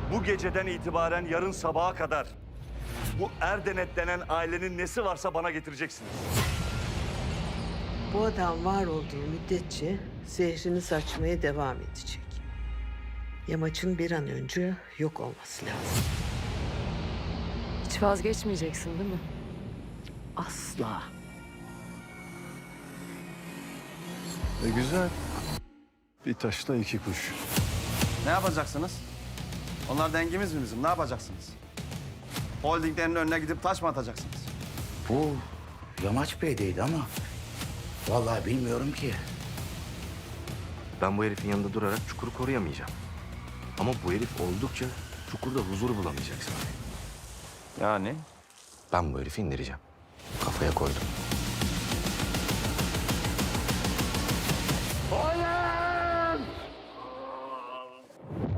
Bu geceden itibaren yarın sabaha kadar bu Erdenet denen ailenin nesi varsa bana getireceksiniz. Bu adam var olduğu müddetçe zehrini saçmaya devam edecek. Yamaç'ın bir an önce yok olması lazım. Hiç vazgeçmeyeceksin değil mi? Asla. Güzel. Bir taşla iki kuş. Ne yapacaksınız? Onlar dengimiz mi bizim? Ne yapacaksınız? Holdinglerin önüne gidip taş mı atacaksınız? Bu Yamaç Bey'deydi ama vallahi bilmiyorum ki. Ben bu herifin yanında durarak çukuru koruyamayacağım. Ama bu herif oldukça çukurda huzur bulamayacak Salih. Yani? Ben bu herifi indireceğim. Kafaya koydum. Hayır!